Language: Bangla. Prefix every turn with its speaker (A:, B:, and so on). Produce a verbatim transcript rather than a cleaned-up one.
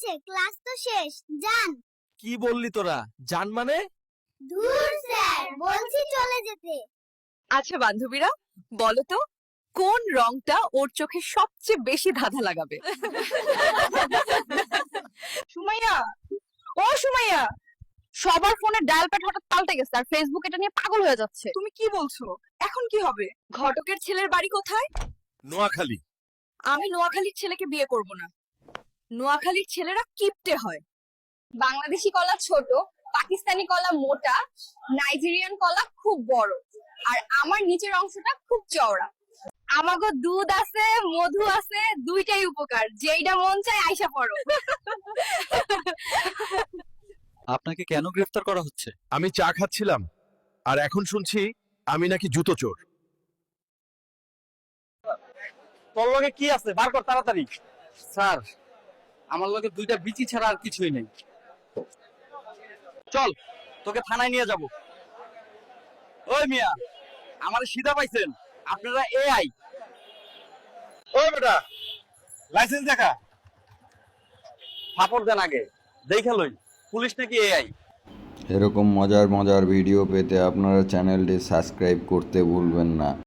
A: আছে, ক্লাস তো শেষ, যান।
B: কি বললি তোরা? জান মানে?
A: ধুর স্যার, বলছি চলে যেতে।
C: আচ্ছা বান্ধবীরা, বলো তো কোন রংটা ওর চোখে সবচেয়ে বেশি ধাঁধা লাগাবে? সুমাইয়া, ও সুমাইয়া, সবার ফোনে ডায়াল প্যাড হঠাৎ পাল্টে গেছে আর ফেসবুক এটা নিয়ে পাগল হয়ে যাচ্ছে। তুমি কি বলছো? এখন কি হবে? ঘটকের ছেলের বাড়ি কোথায়?
B: নোয়াখালী।
C: আমি নোয়াখালীর ছেলেকে বিয়ে করব না। নোয়াখালীর ছেলেরা কিপটে হয়। বাংলাদেশি কলা ছোট, পাকিস্তানি কলা মোটা, নাইজেরিয়ান কলা খুব বড়, আর আমার নিচের অংশটা খুব চওড়া। আমাগো দুধ আছে, মধু আছে, দুইটাই উপকার, যেইটা মন চায় আইসা পড়ো।
D: আপনাকে কেন গ্রেফতার করা হচ্ছে?
B: আমি চা খাচ্ছিলাম আর এখন শুনছি আমি নাকি জুতো চোর।
D: তোর লগে কি আছে? বার কর তাড়াতাড়ি। স্যার, আমার লগে দুইটা বিচি ছাড়া আর কিছুই নেই। চল, তোকে থানায় নিয়ে যাব। ওই মিয়া, আমার সিধা পাইছেন? আপনারা এআই?
B: ওই বেটা, লাইসেন্স দেখা।
D: ফাপড় দেন আগে, দেখে লই পুলিশ নাকি এআই।
E: এরকম মজার মজার ভিডিও পেতে আপনারা চ্যানেলটি সাবস্ক্রাইব করতে ভুলবেন না।